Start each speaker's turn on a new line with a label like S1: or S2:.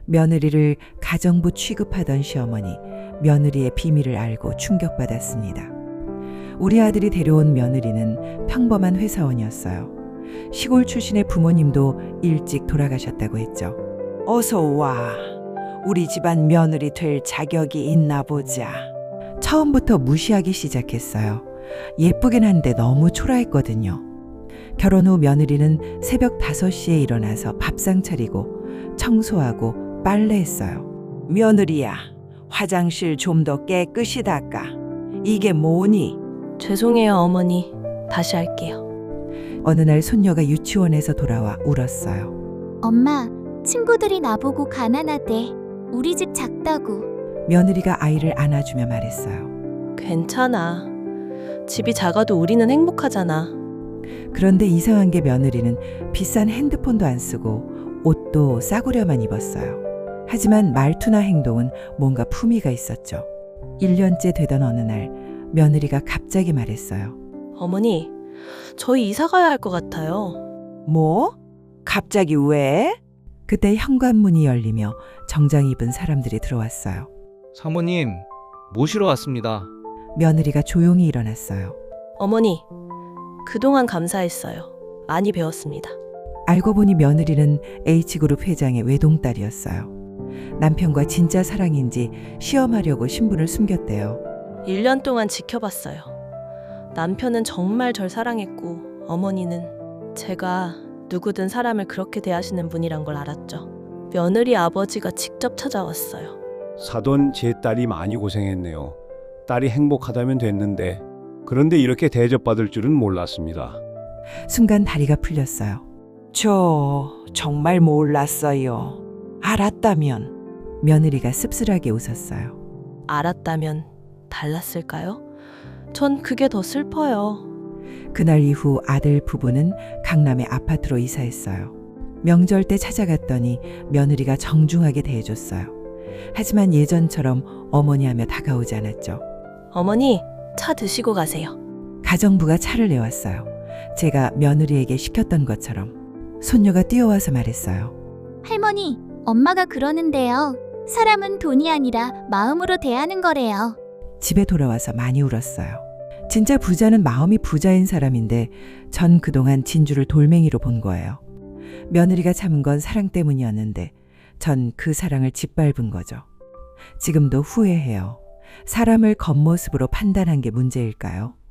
S1: 며느리를 가정부 취급하던 시어머니, 며느리의 비밀을 알고 충격받았습니다. 우리 아들이 데려온 며느리는 평범한 회사원이었어요. 시골 출신의 부모님도 일찍 돌아가셨다고 했죠. 어서 와. 우리 집안 며느리 될 자격이 있나 보자. 처음부터 무시하기 시작했어요. 예쁘긴 한데 너무 초라했거든요. 결혼 후 며느리는 새벽 5시에 일어나서 밥상 차리고 청소하고 빨래했어요. 며느리야, 화장실 좀 더 깨끗이 닦아. 이게 뭐니?
S2: 죄송해요, 어머니. 다시 할게요.
S1: 어느 날 손녀가 유치원에서 돌아와 울었어요.
S3: 엄마, 친구들이 나보고 가난하대. 우리 집 작다고.
S1: 며느리가 아이를 안아주며 말했어요.
S2: 괜찮아. 집이 작아도 우리는 행복하잖아.
S1: 그런데 이상한 게 며느리는 비싼 핸드폰도 안 쓰고 옷도 싸구려만 입었어요. 하지만 말투나 행동은 뭔가 품위가 있었죠. 1년째 되던 어느 날 며느리가 갑자기 말했어요.
S2: 어머니, 저희 이사 가야 할 것 같아요.
S1: 뭐? 갑자기 왜? 그때 현관문이 열리며 정장 입은 사람들이 들어왔어요.
S4: 사모님, 모시러 왔습니다.
S1: 며느리가 조용히 일어났어요.
S2: 어머니, 그동안 감사했어요. 많이 배웠습니다.
S1: 알고 보니 며느리는 H그룹 회장의 외동딸이었어요. 남편과 진짜 사랑인지 시험하려고 신분을 숨겼대요.
S2: 1년 동안 지켜봤어요. 남편은 정말 절 사랑했고 어머니는 제가 누구든 사람을 그렇게 대하시는 분이란 걸 알았죠. 며느리 아버지가 직접 찾아왔어요.
S5: 사돈 제 딸이 많이 고생했네요. 딸이 행복하다면 됐는데 그런데 이렇게 대접받을 줄은 몰랐습니다.
S1: 순간 다리가 풀렸어요. 저 정말 몰랐어요. 알았다면. 며느리가 씁쓸하게 웃었어요.
S2: 알았다면 달랐을까요? 전 그게 더 슬퍼요.
S1: 그날 이후 아들 부부는 강남의 아파트로 이사했어요. 명절 때 찾아갔더니 며느리가 정중하게 대해줬어요. 하지만 예전처럼 어머니 하며 다가오지 않았죠.
S2: 어머니, 차 드시고 가세요.
S1: 가정부가 차를 내왔어요. 제가 며느리에게 시켰던 것처럼. 손녀가 뛰어와서 말했어요.
S3: 할머니, 엄마가 그러는데요. 사람은 돈이 아니라 마음으로 대하는 거래요.
S1: 집에 돌아와서 많이 울었어요. 진짜 부자는 마음이 부자인 사람인데 전 그동안 진주를 돌멩이로 본 거예요. 며느리가 참은 건 사랑 때문이었는데 전 그 사랑을 짓밟은 거죠. 지금도 후회해요. 사람을 겉모습으로 판단한 게 문제일까요?